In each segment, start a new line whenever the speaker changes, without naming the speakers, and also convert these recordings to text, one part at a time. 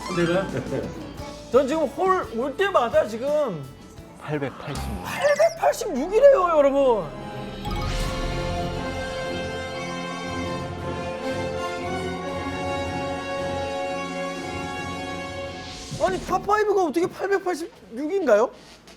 내가요? 전 지금 홀 올 때마다 지금 886이래요, 여러분. 아니 파5가 어떻게 886인가요?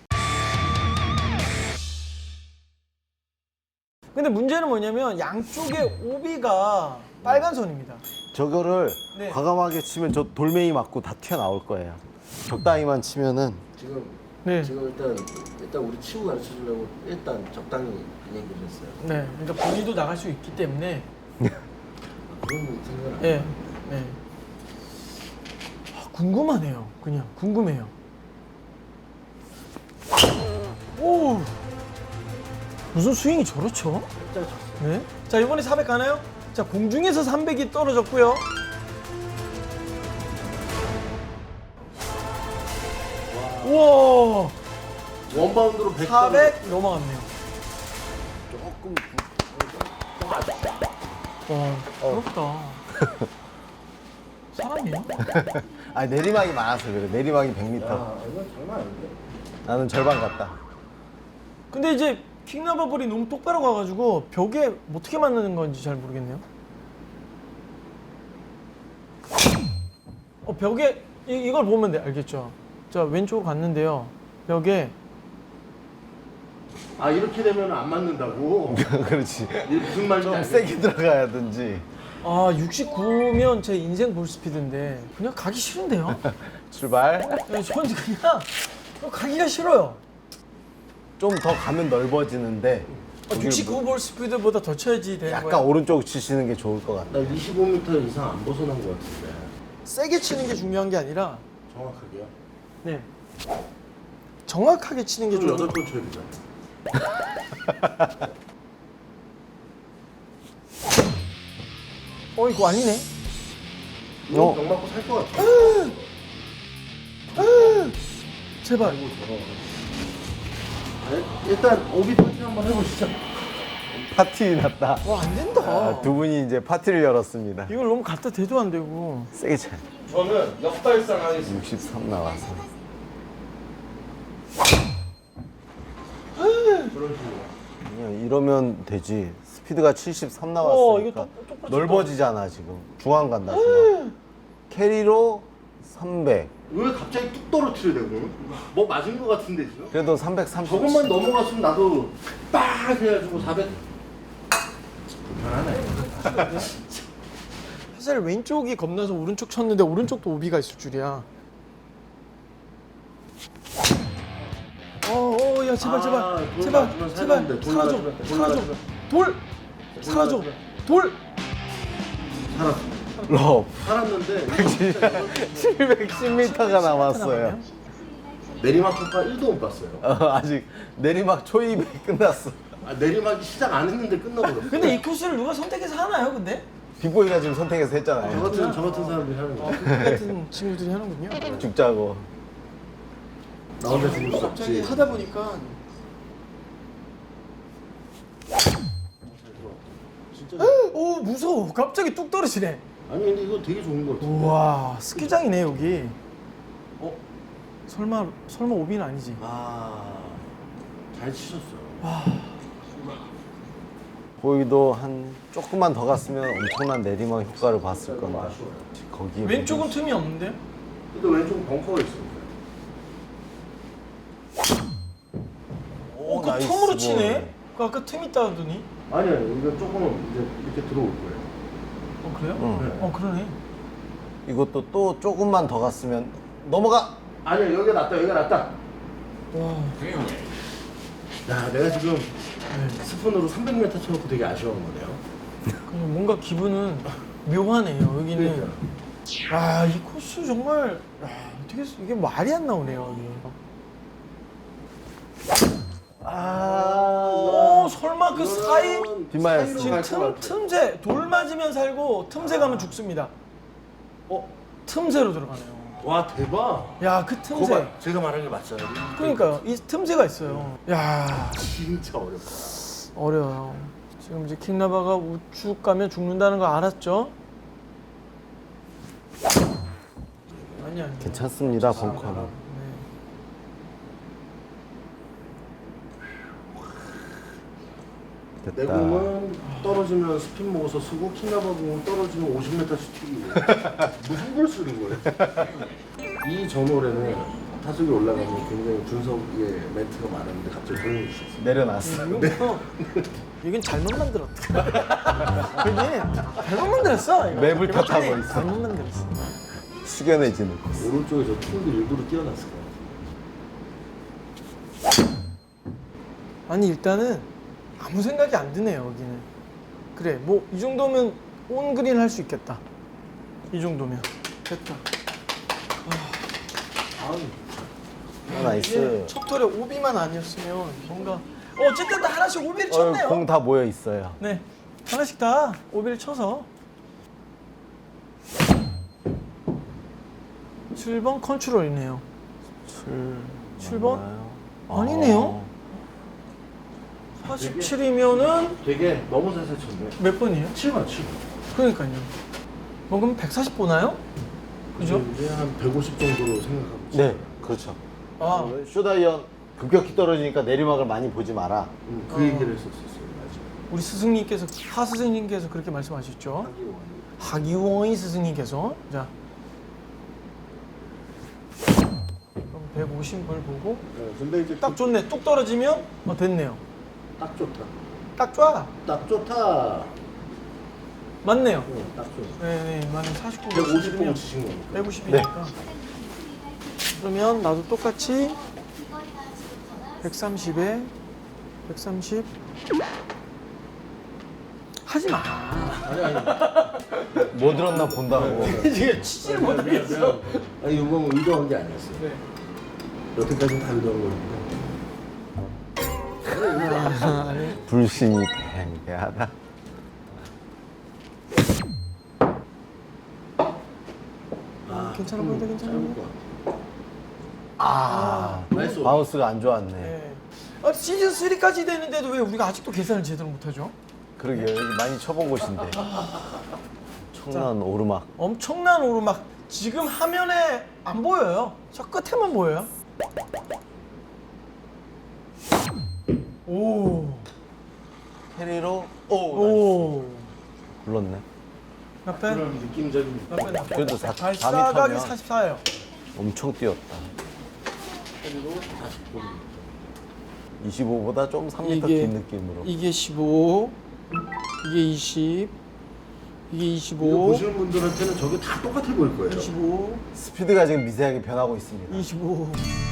근데 문제는 뭐냐면 양쪽에 오비가 빨간 선입니다.
저거를
네.
과감하게 치면 저 돌멩이 맞고 다 튀어나올 거예요. 적당히만 치면은
지금
네.
지금 일단 우리 치고 가르쳐 주려고 일단 적당히 얘기를 했어요.
네. 그러니까 본인도 나갈 수 있기 때문에.
그런 생각을 안
네. 네. 아, 궁금하네요. 그냥 궁금해요. 오. 무슨 스윙이 저렇죠?
살짝 쳤어요.
네. 자, 이번에 400 가나요? 자, 공중에서 300이 떨어졌고요. 우와.
원바운드로 100.
400 넘어갔네요.
조금
와, 부럽다. 사람이야?
아 내리막이 많아서 그래. 내리막이 100m.
아, 이건 장난 아닌데.
나는 절반 갔다.
근데 이제 킹나바볼이 너무 똑바로 가가지고 벽에 어떻게 맞는 건지 잘 모르겠네요. 벽에 이걸 보면 돼, 알겠죠? 자, 왼쪽으로 갔는데요. 벽에
아 이렇게 되면 안 맞는다고.
그렇지.
이게 무슨 말인지
좀
알겠어.
세게 들어가야든지.
69면 제 인생 볼 스피드인데 그냥 가기 싫은데요?
출발.
저는 그냥 가기가 싫어요.
좀 더 가면 넓어지는데. 거기를
69볼 스피드보다 더 쳐야지 되는
약간
거예요.
오른쪽 치시는 게 좋을 것 같아.
나 25m 이상 안 벗어난 것 같은데.
세게 치는 게 중요한 게 아니라
정확하게요?
네. 정확하게 치는 게
그럼
좀
8번 쳐야 되잖아.
이거 아니네.
이거 병 맞고 살 것 같아.
제발.
아이고 저거. 일단 오비 파티 한번 해보시죠.
파티 났다.
와, 안 된다.
아, 두 분이 이제 파티를 열었습니다.
이걸 너무 갖다 대도 안 되고.
세게 쳐.
저는 역발상 하겠습니다.
63 나와서.
그런 식으로.
그냥 이러면 되지. 스피드가 73
이거
나왔으니까
똑같이
넓어지잖아 지금. 중앙 간다 중앙. 캐리로 300.
왜 갑자기 뚝 떨어뜨려 되고? 뭐 맞은 것 같은데 지금?
그래도 330.
저것만 넘어갔으면 나도 빡 해가지고 400. 불편하네.
사실 왼쪽이 겁나서 오른쪽 쳤는데 오른쪽도 오비가 있을 줄이야. 야, 제발, 제발,
아, 돌
제발,
맞으면
제발,
살았는데, 돌
사라져,
맞으면, 돌
사라져,
맞으면.
돌, 사라져, 돌.
살았어.
럽.
살았는데
710m가 남았어요.
내리막 효과 1도 못 봤어요.
아직 내리막 초입에 끝났어.
아, 내리막이 시작 안 했는데 끝나버렸어.
근데 이 코스를 누가 선택해서 하나요, 근데?
빅보이가 지금 선택해서
저
했잖아요.
같은 사람들이 하는 거.
그 같은 친구들이 하는군요.
죽자고.
나 혼자 죽을 수
갑자기
없지.
하다 보니까
진짜.
오, 무서워. 갑자기 뚝 떨어지네.
아니 근데 이거 되게 좋은 거 같아.
우와, 스키장이네 여기. 설마 오비는 아니지?
잘 치셨어요.
보이도 한 조금만 더 갔으면 엄청난 내리막 효과를 봤을 건데.
아쉬워요.
거기
왼쪽은 틈이 없는데요?
근데 왼쪽 벙커가 있어요.
그
나이스
틈으로
볼.
치네? 그 아까 틈 있다 하더니.
아니요, 이거 조금 이제 이렇게 들어올 거예요.
그래요?
응.
그러네.
이것도 또 조금만 더 갔으면 넘어가.
아니야, 여기가 낫다, 여기가 낫다.
와.
야, 내가 지금 스푼으로 300m 쳐놓고 되게 아쉬운 거네요.
그냥 뭔가 기분은 묘하네요. 여기는.
그러니까.
이 코스 정말 어떻게 이게 말이 안 나오네요. 이게. 설마 그 사이
뒷마였어.
지금 틈새 돌 맞으면 살고 틈새 가면 죽습니다. 틈새로 들어가네요.
와, 대박.
야, 그 틈새.
거봐, 제가 말한 게 맞잖아요.
그러니까요. 이 틈새가 있어요. 야,
진짜 어렵다.
어려워요. 지금 이제 킹나바가 우측 가면 죽는다는 거 알았죠? 아니요.
괜찮습니다, 벙커는.
네.
내
됐다.
공은 떨어지면 스핀 먹어서 쓰고 키나바 공은 떨어지면 50m씩 튀기고 무슨 걸 쓰는 거예요? 이 전홀에는 타석에 올라가면 굉장히 준석의 멘트가 많았는데 갑자기 조용히 있었어요.
내려놨어.
이건 잘못 만들었다. 그지? 잘못 만들었어. 이거.
맵을
이거
탓하고
맞지?
있어.
잘못 만들었어.
숙연해지는.
오른쪽에 저 툴도 일부러 띄워놨을 것
아니 일단은 아무 생각이 안 드네요 여기는. 그래 뭐 이 정도면 온 그린 할 수 있겠다. 이 정도면 됐다.
같아요.
아, 나이스.
이게 첫 톨에 오비만 아니었으면 뭔가 어쨌든 다 하나씩 오비를 쳤네요.
공 다 모여 있어요.
네 하나씩 다 오비를 쳐서 7번 컨트롤이네요. 7번?
맞나요?
아니네요. 47이면은
되게 너무 살살 쳤네.
몇 번이에요?
7번, 7번.
그러니까요. 뭐 그럼 140 보나요? 그죠?
이제 한 150 정도로 생각하고
네, 그렇죠.
아,
쇼다이언 급격히 떨어지니까 내리막을 많이 보지 마라.
그 얘기를 했었었어요. 맞아요.
우리 스승님께서 하 스승님께서 그렇게 말씀하셨죠. 하기원이 스승님께서 자 그럼 150을 보고
네, 근데 이제
딱 좋네. 뚝 떨어지면 됐네요.
딱 좋다.
딱 좋아.
딱 좋다.
맞네요.
딱 좋아.
네네 맞네. 49,
150 보고 치신 거니까.
150이니까. 그러면 나도 똑같이 130에 130 하지 마.
아니.
뭐 들었나 본다고.
지금 치지를 못하겠어.
아니 이건 의도한 게 아니었어요.
네.
여태까지는 다 의도한 거니까.
불신이 팽배하다.
괜찮아 보인다, 괜찮아
짧을
보인다.
것 같아. 나이스.
바운스가 안 좋았네.
네. 시즌 3까지 되는데도 왜 우리가 아직도 계산을 제대로 못하죠?
그러게요. 여기 많이 쳐본 곳인데. 청란 오르막.
엄청난 오르막. 지금 화면에 안 보여요. 저 끝에만 보여요. 오.
캐리로
오.
굴렀네.
몇 배?
그런 느낌적인.
몇 배? 몇 배?
그래도 4
발사각이
미터면
44예요.
엄청 뛰었다.
그리고 다시 보기.
25보다 좀 3m
이게-
긴 느낌으로.
이게 15, 이게 20, 이게
이거
25,
보시는 분들한테는 저게 다 똑같아 보일 거예요.
25,
스피드가 지금 미세하게 변하고 있습니다.
25.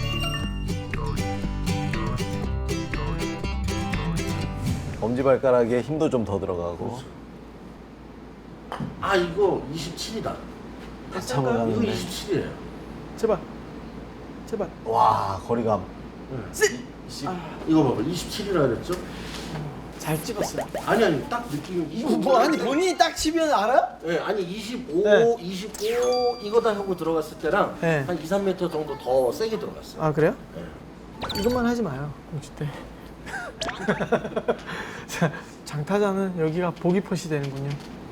엄지발가락에 힘도 좀 더 들어가고.
아 이거 27이다.
한참을
이거
가는데.
27이에요.
제발. 제발.
와, 거리감.
이거 봐봐 27이라 그랬죠?
잘 찍었어요.
아니 딱 느낌이 25.
아니 본인이 딱 치면 알아?
네, 아니 25,
네.
25 이거다 하고 들어갔을 때랑
네.
한 2, 3m 정도 더 세게 들어갔어요.
아 그래요?
네.
이것만 하지 마요 공주 때. 자, 장타자는 여기가 보기 펫이 되는군요.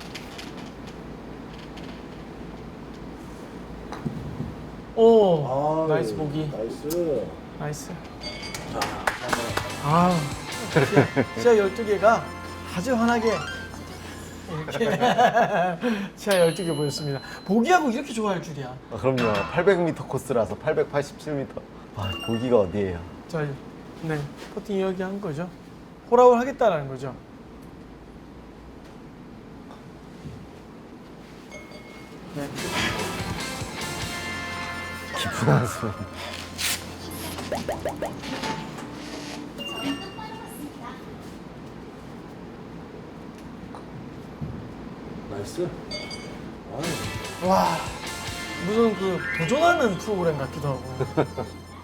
오, 나이스 보기.
나이스.
나이스.
자,
아, 시야 12개가 아주 환하게 이렇게 시야 12개 보였습니다. 보기하고 이렇게 좋아할 줄이야.
아, 그럼요. 800m 코스라서 887m. 아, 보기가 어디예요?
자, 네, 퍼팅 이야기한 거죠. 홀아웃 하겠다라는 거죠. 네.
깊은 한숨.
나이스. 아유.
와, 무슨 그 도전하는 프로그램 같기도 하고.